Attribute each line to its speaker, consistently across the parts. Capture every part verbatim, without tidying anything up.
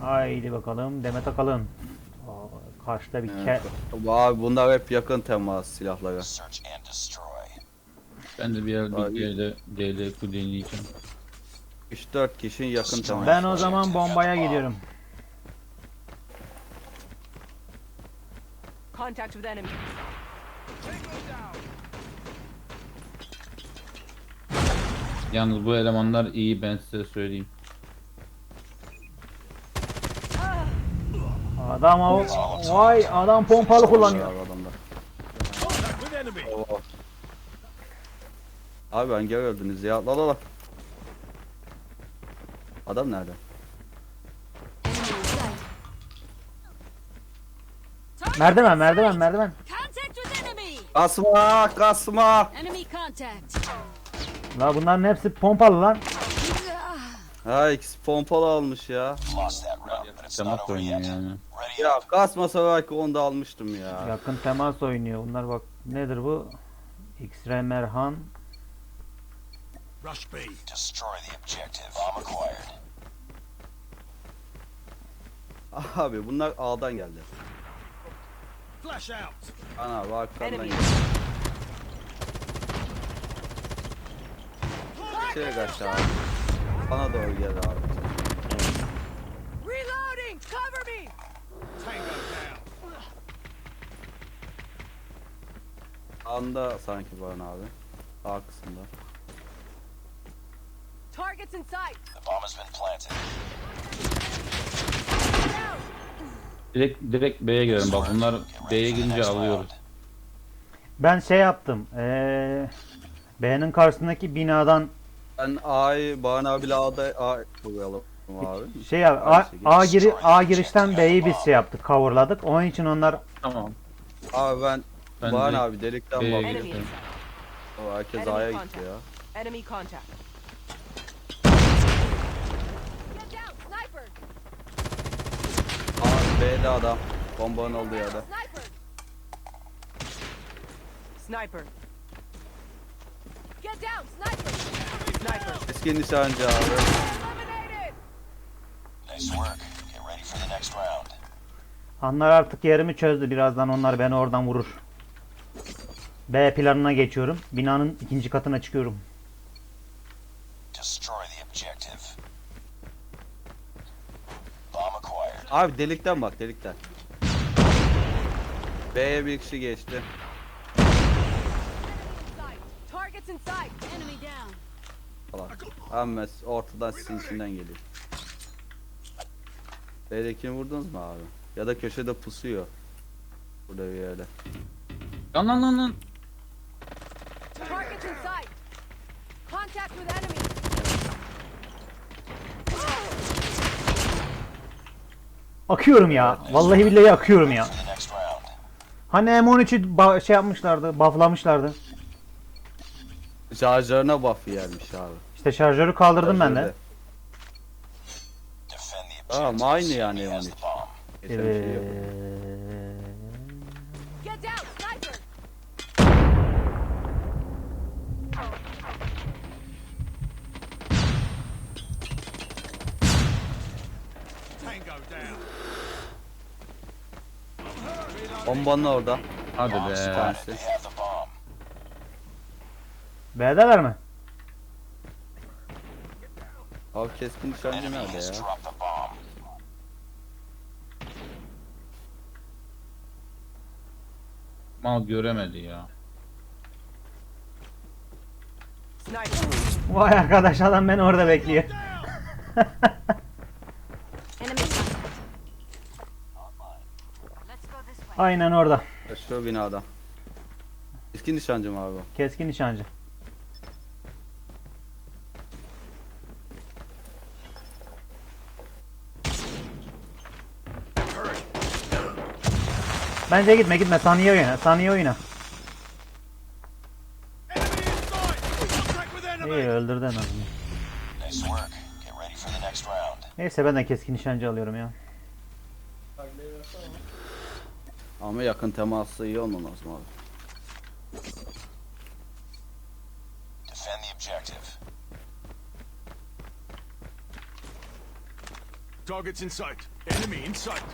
Speaker 1: Haydi bakalım Demet Akalın. Aa, karşıda bir ke...
Speaker 2: Evet. Abi bunlar hep yakın temas silahları.
Speaker 3: Ben de bir yer
Speaker 2: Abi-
Speaker 3: bir yerde D L Q deneyeceğim.
Speaker 2: üç dört kişinin yakın temas.
Speaker 1: Ben o zaman bombaya gidiyorum.
Speaker 4: Contact with enemy.
Speaker 3: Yalnız bu elemanlar iyi, ben size söyleyeyim.
Speaker 1: Adam o... Vay adam pompalı kullanıyor.
Speaker 2: Abi adamlar. Oo. Abi ben gel öldünüz ya. La la la. Adam nerede?
Speaker 1: Merdiven merdiven merdiven.
Speaker 5: Contact with enemy.
Speaker 2: Kasma kasma.
Speaker 5: Enemy contact.
Speaker 1: La bunların hepsi pompalı lan.
Speaker 2: Ha ikisi pompalı almış ya.
Speaker 3: Temas oynuyor yani.
Speaker 2: Ya kasmasa belki onu da almıştım ya.
Speaker 1: Yakın temas oynuyor. Bunlar bak nedir bu? X-Ray Merhan.
Speaker 6: Rush B.
Speaker 7: Destroy the objective. Bomb acquired.
Speaker 2: Abi bunlar A'dan geldi.
Speaker 6: Flash out.
Speaker 2: Ana bak arkamdan
Speaker 4: Enemy.
Speaker 2: geldi. Şeye kaç abi. Bana doğru gel abi.
Speaker 4: Reloading. Cover me.
Speaker 6: Tango down.
Speaker 2: Anda sanki bana abi. A kısımda.
Speaker 4: Targets in sight.
Speaker 7: The bomb has been planted.
Speaker 3: Direkt direkt B'ye girelim bak, bunlar B'ye girince alıyoruz.
Speaker 1: Ben şey yaptım. Ee, B'nin karşısındaki binadan
Speaker 2: Ben A'yı Bana abiyle A'da A koyalım abi.
Speaker 1: şey yap, A, A, giri, A girişten B'yi biz şey yaptık, coverladık. Onun için onlar
Speaker 3: Tamam.
Speaker 2: Abi ben,
Speaker 3: Ben
Speaker 2: Bana
Speaker 3: direkt
Speaker 2: abi delikten
Speaker 3: B'ye
Speaker 2: bakıyorum.
Speaker 4: Enemy in
Speaker 3: girelim.
Speaker 4: sight.
Speaker 2: O herkes
Speaker 4: Enemy
Speaker 2: A'ya gitti
Speaker 4: contact.
Speaker 2: ya.
Speaker 4: Enemy contact.
Speaker 5: Get down, sniper.
Speaker 2: A B'de adam. Bombanın olduğu yerde.
Speaker 5: Sniper.
Speaker 4: Sniper.
Speaker 5: Get down, sniper.
Speaker 4: Sniper.
Speaker 2: Eski nişancı abi.
Speaker 4: Eliminated.
Speaker 7: Nice work. Get ready for the next round.
Speaker 1: onlar artık yerimi çözdü. Birazdan onlar beni oradan vurur. B planına geçiyorum. Binanın ikinci katına çıkıyorum.
Speaker 7: Destroy the objective. Bomb acquired.
Speaker 2: Abi delikten bak delikten. B'ye bir kişi geçti.
Speaker 4: Sight. Targets in sight.
Speaker 5: Enemy down.
Speaker 2: Falan. Ama ortadan sizin içinden geliyor. B'dekini vurdunuz mu abi? Ya da köşede pusuyor. Burada bir yerde.
Speaker 3: Lan lan lan lan.
Speaker 4: Targets in sight. Contact with enemy.
Speaker 1: Akıyorum ya. Vallahi billahi akıyorum ya.
Speaker 7: For the next round.
Speaker 1: Hani M on üçü ba- şey yapmışlardı, bufflamışlardı.
Speaker 2: Şarjörüne buff yermiş abi.
Speaker 1: İşte şarjörü kaldırdım ben de.
Speaker 2: Şarjörde.
Speaker 7: Defend the
Speaker 2: Tamam
Speaker 7: objective.
Speaker 2: aynı yani
Speaker 7: Enemy
Speaker 2: M on
Speaker 7: has
Speaker 2: üç.
Speaker 7: the bomb.
Speaker 2: Geçen bir şey yok.
Speaker 1: Evet.
Speaker 5: Get down, sniper.
Speaker 6: Tango down.
Speaker 2: Bombanın orada.
Speaker 3: Hadi
Speaker 2: Bir
Speaker 3: be.
Speaker 2: tanesi.
Speaker 7: They have the bomb.
Speaker 1: B'deler mi?
Speaker 2: Abi keskin nişancı
Speaker 7: Enemy
Speaker 2: nerede
Speaker 7: has
Speaker 2: ya?
Speaker 7: dropped the bomb.
Speaker 3: Mal göremedi ya.
Speaker 4: Sniper.
Speaker 1: Vay arkadaş adam beni orada bekliyor.
Speaker 5: Enemy contact. Let's go this way.
Speaker 1: Aynen orada.
Speaker 2: Şu binada. Keskin nişancı mı abi? o?
Speaker 1: Keskin nişancı. Bence gitme gitme saniye oyna saniye oyna.
Speaker 6: Enemy in sight. Contact with enemy.
Speaker 1: İyi öldürdü en azından.
Speaker 7: Nice work. Get ready for the next round.
Speaker 1: Neyse ben de keskin nişancı alıyorum ya.
Speaker 2: Ama yakın teması iyi olmamız lazım abi.
Speaker 7: Defend the objective.
Speaker 6: Targets in sight. Enemy in sight.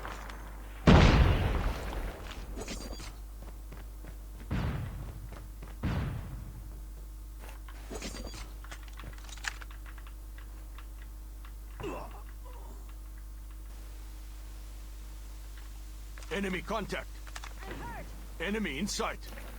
Speaker 6: Enemy contact. Enemy in sight.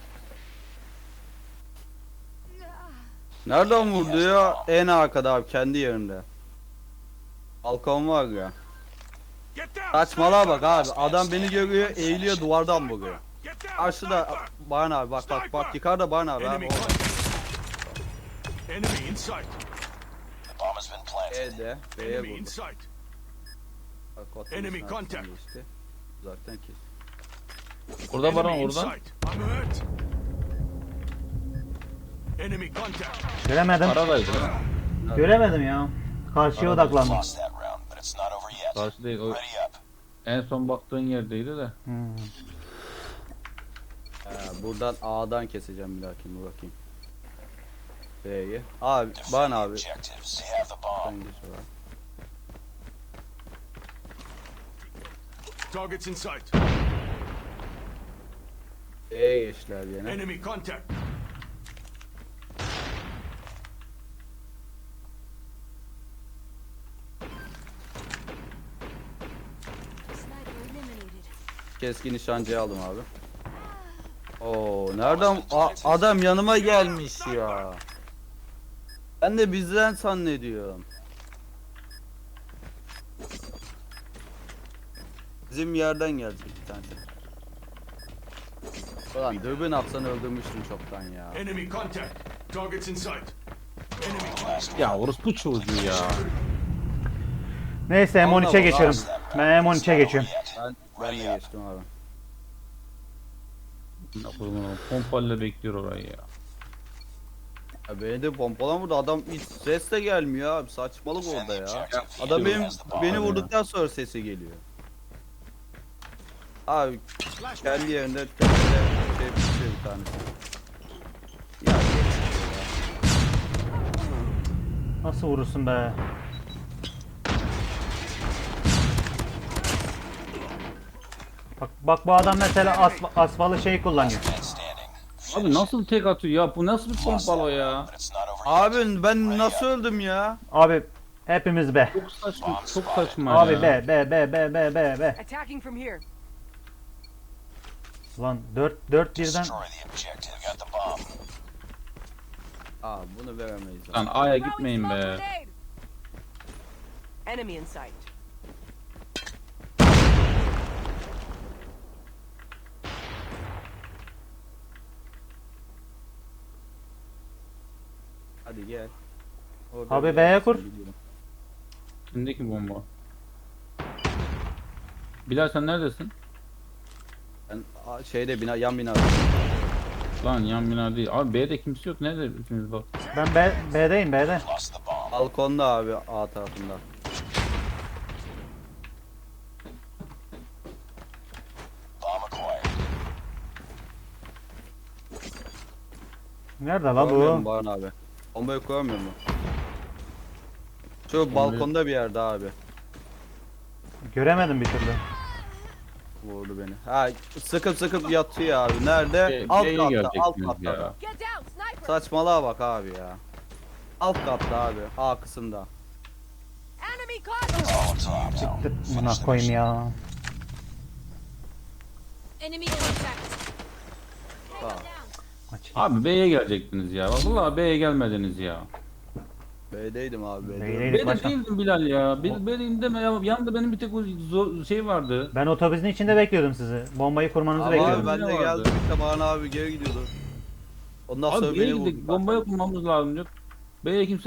Speaker 2: Nereden vurdu ya? En arkada abi, kendi yerinde. Balkon var ya.
Speaker 6: Get down.
Speaker 2: Saçmalığa bak
Speaker 6: sniper!
Speaker 2: abi. Adam beni görüyor, eğiliyor, duvardan vuruyor.
Speaker 6: Get down.
Speaker 2: Karşıda
Speaker 6: sniper!
Speaker 2: Baran abi, bak bak bak, yukarıda Baran abi.
Speaker 6: Enemy
Speaker 2: abi orada.
Speaker 6: contact. Enemy in sight.
Speaker 7: The bomb has been planted.
Speaker 2: B'de, B'ye
Speaker 6: Enemy in
Speaker 2: vurdu.
Speaker 6: sight.
Speaker 2: Bak, otobüsün
Speaker 6: Enemy
Speaker 2: arkasından
Speaker 6: contact.
Speaker 2: geçti. Uzaktan kes.
Speaker 3: Burada Baran
Speaker 6: Enemy in
Speaker 3: oradan.
Speaker 6: sight. I'm hurt. Enemy contact.
Speaker 1: Göremedim.
Speaker 3: Aradaydı.
Speaker 1: Göremedim ya. Karşıya odaklandım.
Speaker 7: Lost that round, but it's not over yet.
Speaker 3: Karşı değil. O
Speaker 7: Ready up.
Speaker 3: en son baktığın yerdeydi de.
Speaker 1: Hmm.
Speaker 2: Ee, buradan A'dan keseceğim bir dahakine, bakayım. B'yi. Abi, Baran abi.
Speaker 7: Objectives. They have the bomb.
Speaker 2: Sen geç oraya.
Speaker 6: Targets in sight.
Speaker 2: B'ye geçtiler yine.
Speaker 6: Enemy contact.
Speaker 5: Sniper eliminated.
Speaker 2: Keskin nişancıyı aldım abi. Oo, nereden A- adam yanıma gelmiş ya. Ben de bizden zannediyorum. Bizim yerden gelecek bir tanesi. Ulan dürbün atsan öldürmüştüm çoktan ya.
Speaker 6: Enemy contact. Targets in sight. Enemy contact.
Speaker 3: Ya orospu çocuğu ya.
Speaker 1: Neyse M on üçe
Speaker 2: Allah
Speaker 1: geçiyorum. Ben M on üçe geçiyorum.
Speaker 2: Ben, ben de geçtim abi.
Speaker 3: Pompayla bekliyor orayı ya.
Speaker 2: Ya beni de pompalan vurdu, adam hiç ses de gelmiyor abi, saçmalık orada ya.
Speaker 7: Objective.
Speaker 2: Adam benim
Speaker 7: Has the bomb.
Speaker 2: beni vurduktan sonra sesi geliyor. Abi kendi yerinde kendine şey bir bir tanesi. Ya
Speaker 1: Nasıl vurursun be? Bak bak bu adam mesela asf asfalı şey kullanıyor.
Speaker 7: Man standing.
Speaker 3: Abi nasıl tek atıyor ya? Bu nasıl bir pompalo ya?
Speaker 7: But it's not over yet.
Speaker 2: abi ben nasıl öldüm ya?
Speaker 1: Abi hepimiz be.
Speaker 3: Çok saçma, çok saçma
Speaker 1: Abi
Speaker 3: ya.
Speaker 1: be be be be be be be.
Speaker 4: Attacking from here.
Speaker 1: Lan dört dört birden
Speaker 7: Destroy the objective. Got the bomb.
Speaker 2: Aa, bunu veremeyiz abi.
Speaker 3: Lan A'ya
Speaker 4: Throwing
Speaker 3: gitmeyin
Speaker 4: smoke
Speaker 3: be.
Speaker 4: grenade. Enemy in sight.
Speaker 2: Hadi gel. Orada
Speaker 1: Abi
Speaker 2: bir
Speaker 1: B'ye
Speaker 2: yerdesin,
Speaker 1: kur.
Speaker 2: biliyorum.
Speaker 3: Kimdeki bomba? Bilal sen neredesin?
Speaker 2: Ben a, şeyde bina, yan bina.
Speaker 3: Lan yan bina değil. Abi B'de kimse yok. Nerede ikimiz bak.
Speaker 1: ben B B'deyim B'de.
Speaker 7: Lost the bomb.
Speaker 2: Balkonda abi, A tarafında.
Speaker 7: Bomb acquired.
Speaker 1: Nerede la
Speaker 2: Görmüyor musun
Speaker 1: bu?
Speaker 2: Baran abi? Bombayı koyamıyor mu? Şu balkonda bir yerde abi.
Speaker 1: Göremedim bir türlü.
Speaker 2: Vurdu beni. Ha, sıkıp sıkıp yatıyor abi. Nerede?
Speaker 3: B-
Speaker 2: alt
Speaker 3: B'yi
Speaker 2: katta, alt
Speaker 3: görecektiniz
Speaker 2: katta.
Speaker 3: ya.
Speaker 4: Get down, sniper.
Speaker 2: Saçmalığa bak abi ya. Alt katta abi, A kısımda.
Speaker 4: Enemy contact.
Speaker 7: All top now.
Speaker 1: Tık buna koyayım ya.
Speaker 5: Enemy contact.
Speaker 2: Sağ ol.
Speaker 1: Aç.
Speaker 3: Abi B'ye gelecektiniz ya. Vallahi B'ye gelmediniz ya.
Speaker 2: B'deydim abi, B'deydim.
Speaker 1: B'deydim.
Speaker 3: B'de
Speaker 1: başkan.
Speaker 3: değildim Bilal ya. B- B'deyim deme ya. Yanında benim bir tek o zo- şey vardı.
Speaker 1: Ben otobüsün içinde bekliyordum sizi. Bombayı kurmanızı
Speaker 2: Ama
Speaker 1: bekliyordum.
Speaker 2: abi ben de
Speaker 3: Ne vardı?
Speaker 2: geldim işte, Baran abi geri gidiyordu. Ondan
Speaker 3: Abi
Speaker 2: sonra
Speaker 3: B'ye
Speaker 2: beni
Speaker 3: gittik.
Speaker 2: vurdu.
Speaker 3: Bombaya kurmamız lazım diyor. B'ye kimse